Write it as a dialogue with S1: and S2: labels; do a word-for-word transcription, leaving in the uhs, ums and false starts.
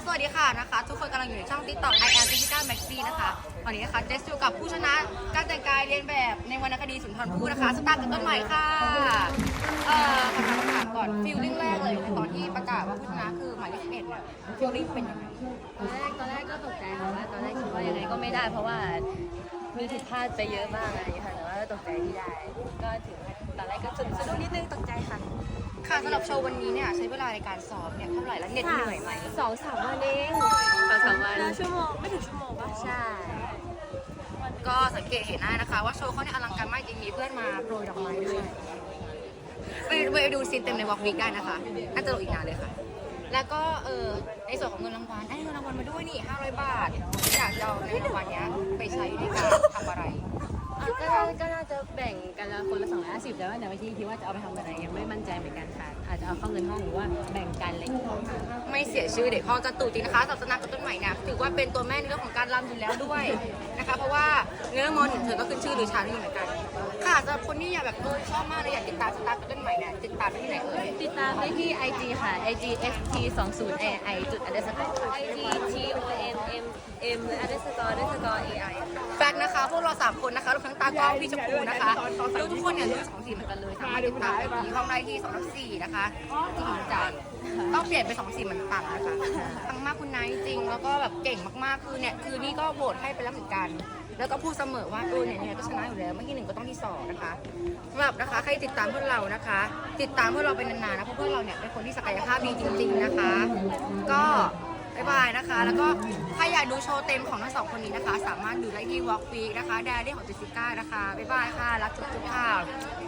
S1: สวัสดีค่ะนะคะทุกคนกำลังอยู่ในช่อง TikTok I am Jessica Maxi นะคะวันนี้นะคะเจสอยู่กับผู้ชนะการแต่งกายเรียนแบบในวรรณคดีสุนทรภู่นะคะสตาร์ทกับต้นใหม่ค่ะเอ่อคำถามคำถามก่อนฟิลลิ่งแรกเลยในตอนที่ประกาศว่าผู้ชนะคือหมายเลขสิบเอ็ดเนี่ยฟิลลิ่งเป็นยังไง
S2: ตอนแรกตอนแรกก็ตกใจค่ะว่าตอนแรกคิดว่ายังไงก็ไม่ได้เพราะว่ามีผิดพลาดไปเยอะมากอะไรอย่างเงี้ยค่ะแต่ว่าตกใจที่ได้ ก็ถึงตอนแรกก็สะดุ้งสะดุ้งนิดนึงตกใจค่ะ
S1: ค่ะสำหรับโชว์วันนี้เนี่ยใช้เวลาในการซ้อมเนี่ยเท่าไหร่และเหน็ดเหนื่อยไหม
S2: สองสามวันเองสองสามวัน
S3: ชั่วโมงไม่ถึงชั่วโมงปะ
S2: ใช่
S1: ก็สังเกตเห็นได้นะคะว่าโชว์เขาเนี่ยอลังการมากจริงมีเพื่อนมาโปรยดอกไม้ด้วยไปไปดูซีนเต็มในวอล์กวีคได้นะคะน่าจะลงอีกนานเลยค่ะ แล้วก็เออในส่วนของเงินรางวัลได้เงินรางวัลมาด้วยนี่ห้าร้อยบาทอยากจะเอาเงินรางวัลเนี้ยไปใช้ในการทำอะไร
S2: อ่ะก็น่าก็น่าจะแบ่งกันละคนละสองร้อยห้าสิบแต่ว่าเดี๋ยววันที่คิดว่าจะเอาไปทำอะไรยังไม่มั่นใจเหมือนกันค่ะอาจจะเอาเข้าเงินห้องหรือว่าแบ่งกันอะไรอย่างเงี้ย
S1: ไม่เสียชื่อเด็กพ่อจะตู่จริงนะคะศาสนากับต้นใหม่เนี่ยถือว่าเป็นตัวแม่ในเรื่องของการรำอยู่แล้วด้วยนะคะเพราะว่าเนื้อมอนเธอก็ขึ้นชื่อหรือชานี่เหมือนกันค่ะสำหรับคนที่อยากแบบเออชอบมากเลยอยากติดตามสตาร์กับต้นใหม่เนี่ยติดตามได้ที่ไหนเอ่ย
S2: ติดตามได้ที่ ไอ จี ค่ะ ไอ จี เอส ที สองศูนย์ เอ ไอ จุด underscore ไอ จี ที โอ เอ็ม เอ็ม เอ็ม underscore underscore เอ ไอ
S1: แฟกนะคะพวกเราสามคนนะคะรวมทั้งตากล้องพี่ชมพูนะคะลูกทุกคนเนี่ยรุ่นสองสีเหมือนกันเลยสามารถติดตามได้ที่ห้องได้ที่สองทับสี่นะคะจริงจังต้องเปลี่ยนเป็นสองสีเหมือนปังนะคะปังมากคุณนายจริงแล้วก็แบบเก่งมากๆคือเนี่ยคือนี่ก็โหวตให้ไปแล้วเหมือนกัน แล้วก็พูดเสมอว่าเออเนี่ยเนี่ยก็ชนะอยู่แล้วเมื่อกี้หนึ่งก็ต้องที่สองนะคะสำหรับนะคะใครติดตามพวกเรานะคะ ติดตามพวกเราเป็นนานๆนะเพราะพวกเราเนี่ยเป็นคนที่ศักยภาพดีจริง ๆนะคะ ก็บ๊ายบายนะคะ แล้วก็ใครอยากดูโชว์เต็มของทั้งสองคนนี้นะคะ สามารถดูได้ที่ Walk Week นะคะ Diary ของเจสสิก้านะคะบ๊ายบายค่ะรักทุกๆค่ะ